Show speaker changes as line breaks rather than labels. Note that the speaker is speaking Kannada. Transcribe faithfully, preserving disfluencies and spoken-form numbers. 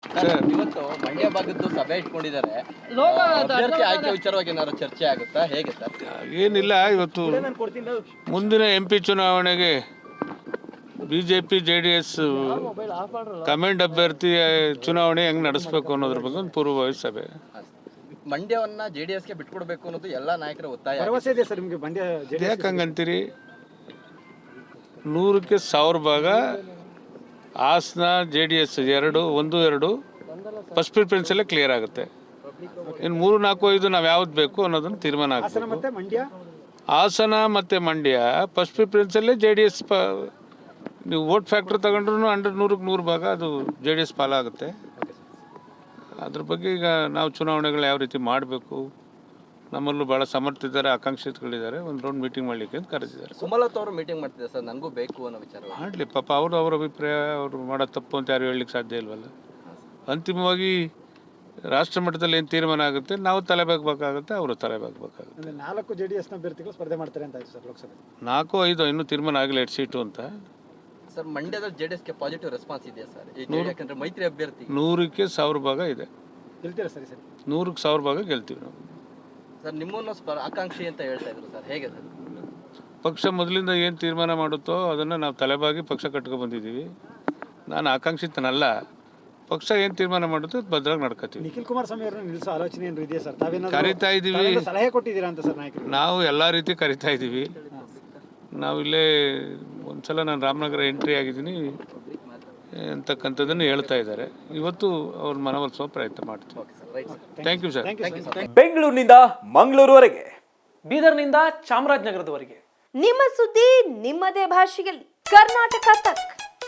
ಇವತ್ತು ಮಂಡ್ಯ ಭಾಗದ್ದು ಸಭೆ ಇಟ್ಕೊಂಡಿದ್ದಾರೆ. ಅಭ್ಯರ್ಥಿ ಆಯ್ಕೆ ವಿಚಾರವಾಗಿ ಏನಾದ್ರು ಚರ್ಚೆ ಆಗುತ್ತಾ, ಹೇಗೆ ಸರ್?
ಏನಿಲ್ಲ, ಇವತ್ತು ಮುಂದಿನ ಎಂ ಪಿ ಚುನಾವಣೆಗೆ BJP J D S command ಅಭ್ಯರ್ಥಿ ಚುನಾವಣೆ ಹೆಂಗ್ ನಡೆಸಬೇಕು ಅನ್ನೋದ್ರ ಬಗ್ಗೆ ಒಂದು ಪೂರ್ವಭಾವಿ ಸಭೆ.
ಮಂಡ್ಯವನ್ನ ಜೆಡಿಎಸ್ಗೆ ಬಿಟ್ಕೊಡ್ಬೇಕು ಅನ್ನೋದು ಎಲ್ಲಾ ನಾಯಕರ ಒತ್ತಾಯ.
ಭರವಸೆ ಇದೆ ಸರ್ ನಿಮಗೆ ಮಂಡ್ಯ?
ಯಾಕೆ ಹಂಗಂತೀರಿ? ನೂರಕ್ಕೆ ಸಾವಿರ ಭಾಗ ಹಾಸನ ಜೆ ಡಿ ಎಸ್ ಎರಡು ಒಂದು ಎರಡು ಫಸ್ಟ್ ಪ್ರಿಫರೆನ್ಸಲ್ಲೇ ಕ್ಲಿಯರ್ ಆಗುತ್ತೆ. ಇನ್ನು ಮೂರು ನಾಲ್ಕು ಐದು ನಾವು ಯಾವ್ದು ಬೇಕು ಅನ್ನೋದನ್ನು ತೀರ್ಮಾನ
ಆಗಬೇಕು. ಮಂಡ್ಯ
ಹಾಸನ ಮತ್ತು ಮಂಡ್ಯ ಫಸ್ಟ್ ಪ್ರಿಫರೆನ್ಸಲ್ಲೇ ಜೆ ಡಿ ಎಸ್ ಪ ನೀವು ವೋಟ್ ಫ್ಯಾಕ್ಟ್ರ್ ತಗೊಂಡ್ರು ಹಂಡ್ರೆಡ್ ನೂರಕ್ಕೆ ನೂರು ಭಾಗ ಅದು ಜೆ ಡಿ ಎಸ್ ಪಾಲಾಗುತ್ತೆ. ಅದ್ರ ಬಗ್ಗೆ ಈಗ ನಾವು ಚುನಾವಣೆಗಳು ಯಾವ ರೀತಿ ಮಾಡಬೇಕು, ನಮ್ಮಲ್ಲೂ ಭಾಳ ಸಮರ್ಥಿದ್ದಾರೆ, ಆಕಾಂಕ್ಷಿಗಳಿದ್ದಾರೆ, ಒಂದು ರೌಂಡ್ ಮೀಟಿಂಗ್ ಮಾಡಲಿಕ್ಕೆ ಅಂತ ಕರೆದಿದ್ದಾರೆ.
ಸುಮಲತಾ ಅವರು ಮೀಟಿಂಗ್ ಮಾಡ್ತಿದ್ದಾರೆ ಸರ್, ನನಗೂ ಬೇಕು ಅನ್ನೋ ವಿಚಾರ.
ಮಾಡಲಿ ಪಾಪ, ಅವರು ಅವ್ರ ಅಭಿಪ್ರಾಯ, ಅವರು ಮಾಡೋ ತಪ್ಪು ಅಂತ ಯಾರು ಹೇಳಲಿಕ್ಕೆ ಸಾಧ್ಯ ಇಲ್ವಲ್ಲ. ಅಂತಿಮವಾಗಿ ರಾಷ್ಟ್ರ ಮಟ್ಟದಲ್ಲಿ ಏನು ತೀರ್ಮಾನ ಆಗುತ್ತೆ ನಾವು ತಲೆಬಾಗಬೇಕಾಗುತ್ತೆ, ಅವರು ತಲೆಬಾಗಬೇಕಾಗುತ್ತೆ.
ನಾಲ್ಕು ಜೆ ಡಿ ಎಸ್ನ ಅಭ್ಯರ್ಥಿಗಳು ಸ್ಪರ್ಧೆ ಮಾಡ್ತಾರೆ ಅಂತ ಆಯ್ತು ಸರ್ ಲೋಕಸಭೆ.
ನಾಲ್ಕು ಐದು ಇನ್ನೂ ತೀರ್ಮಾನ ಆಗಲಿ ಎರಡು ಸೀಟು ಅಂತ.
ಸರ್ ಮಂಡ್ಯದ ಜೆಡಿಎಸ್ಗೆ ಪಾಸಿಟಿವ್ ರೆಸ್ಪಾನ್ಸ್ ಇದೆಯಾ ಸರ್? ಯಾಕಂದ್ರೆ ಮೈತ್ರಿ ಅಭ್ಯರ್ಥಿ
ನೂರಕ್ಕೆ ಸಾವಿರ ಭಾಗ ಇದೆ.
ಗೆಲ್ತೀರಾ ಸರಿ ಸರಿ?
ನೂರಕ್ಕೆ ಸಾವಿರ ಭಾಗ ಗೆಲ್ತೀವಿ ನಾವು.
ಸರ್ ನಿಮ್ಮನ್ನು ಸ್ಪ ಆಕಾಂಕ್ಷಿ ಅಂತ ಹೇಳ್ತಾ ಇದ್ರು ಸರ್, ಹೇಗೆ ಸರ್?
ಪಕ್ಷ ಮೊದಲಿಂದ ಏನು ತೀರ್ಮಾನ ಮಾಡುತ್ತೋ ಅದನ್ನು ನಾವು ತಲೆಬಾಗಿ ಪಕ್ಷ ಕಟ್ಕೊಂಡು ಬಂದಿದ್ದೀವಿ. ನಾನು ಆಕಾಂಕ್ಷಿತನಲ್ಲ, ಪಕ್ಷ ಏನು ತೀರ್ಮಾನ ಮಾಡುತ್ತೋ ಅದು ಭದ್ರಾಗಿ ನಡ್ಕೋತೀವಿ.
ನಿಖಿಲ್ ಕುಮಾರಸ್ವಾಮಿ ಅವರನ್ನ ನಿಲ್ಲಿಸೋ ಆಲೋಚನೆ ಏನು ಇದೆಯಾ ಸರ್? ತಾವೇನಾದ್ರು
ಕರಿತಾ ಇದ್ದೀವಿ,
ಸಲಹೆ ಕೊಟ್ಟಿದ್ದೀರಾ ಅಂತ ಸರ್ ನಾಯಕರು?
ನಾವು ಎಲ್ಲ ರೀತಿ ಕರಿತಾ ಇದ್ದೀವಿ. ನಾವಿಲ್ಲೇ ಒಂದ್ಸಲ ನಾನು ರಾಮನಗರ ಎಂಟ್ರಿ ಆಗಿದ್ದೀನಿ ಅಂತಕ್ಕಂಥದ್ದನ್ನು ಹೇಳ್ತಾ ಇದ್ದಾರೆ. ಇವತ್ತು ಅವ್ರ ಮನವೊಲಿಸುವ ಪ್ರಯತ್ನ ಮಾಡ್ತೀವಿ. Thank you sir.
ಬೆಂಗಳೂರಿನಿಂದ ಮಂಗಳೂರುವರೆಗೆ, ಬೀದರ್ನಿಂದ ಚಾಮರಾಜನಗರದವರೆಗೆ
ನಿಮ್ಮ ಸುದ್ದಿ ನಿಮ್ಮದೇ ಭಾಷೆಯಲ್ಲಿ ಕರ್ನಾಟಕ ತಕ್.